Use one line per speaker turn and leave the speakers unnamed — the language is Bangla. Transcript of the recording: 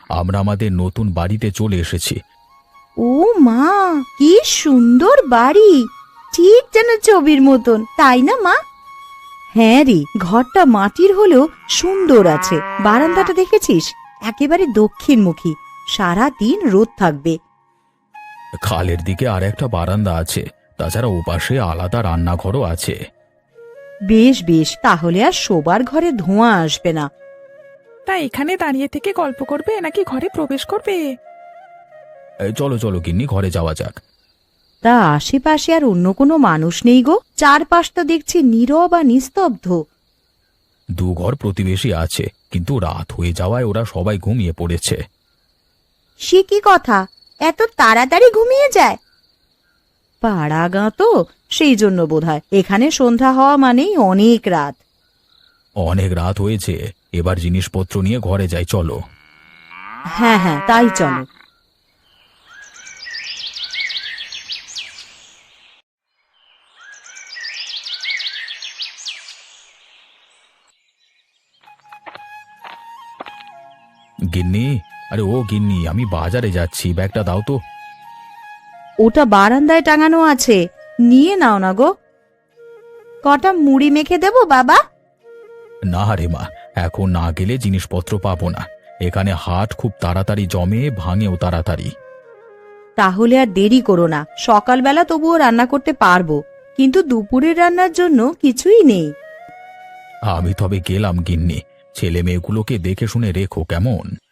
আমরা আমাদের নতুন বাড়িতে চলে এসেছি।
ও মা, কি সুন্দর বাড়ি! ঠিক যেন ছবির মতন, তাই না মা? হ্যাঁ রে, ঘরটা মাটির হলেও সুন্দর আছে। বারান্দাটা দেখেছিস? একেবারে দক্ষিণমুখী, সারা দিন রোদ থাকবে।
খালের দিকে আর একটা বারান্দা আছে, তাছাড়া ওপাশে আলাদা রান্নাঘরও আছে।
বেশ বেশ, তাহলে আর শোবার ঘরে ধোঁয়া আসবে না।
তা এখানে দাঁড়িয়ে থেকে গল্প করবে নাকি ঘরে প্রবেশ করবে?
চলো চলো গিন্নি, ঘরে যাওয়া যাক।
তা আশেপাশে আর অন্য কোনো মানুষ নেই গো? চারপাশটা দেখছি নীরব আর নিস্তব্ধ।
দু ঘর প্রতিবেশী আছে, কিন্তু রাত হয়ে যাওয়ায় ওরা সবাই ঘুমিয়ে পড়েছে।
সে কি কথা, এত তাড়াতাড়ি ঘুমিয়ে যায়? পাড়া গাঁ তো, সেই জন্য বোধহয় এখানে সন্ধ্যা হওয়া মানেই অনেক রাত।
অনেক রাত হয়েছে, এবার জিনিসপত্র নিয়ে ঘরে যাই, চলো।
হ্যাঁ হ্যাঁ, তাই চলো।
গিন্নি, আরে ও গিন্নি, আমি বাজারে যাচ্ছি, ব্যাগটা দাও তো।
ওটা বারান্দায় টাঙানো আছে, নিয়ে নাও না গো। কটা মুড়ি মেখে দেবো বাবা?
না রে মা, এখন না গেলে জিনিসপত্র পাবো না। এখানে হাট খুব তাড়াতাড়ি জমে, ভাঙেও তাড়াতাড়ি।
তাহলে আর দেরি করো না, সকালবেলা তবুও রান্না করতে পারবো, কিন্তু দুপুরের রান্নার জন্য কিছুই নেই।
আমি তবে গেলাম গিন্নি, ছেলে মেয়েগুলোকে দেখে শুনে রেখো কেমন।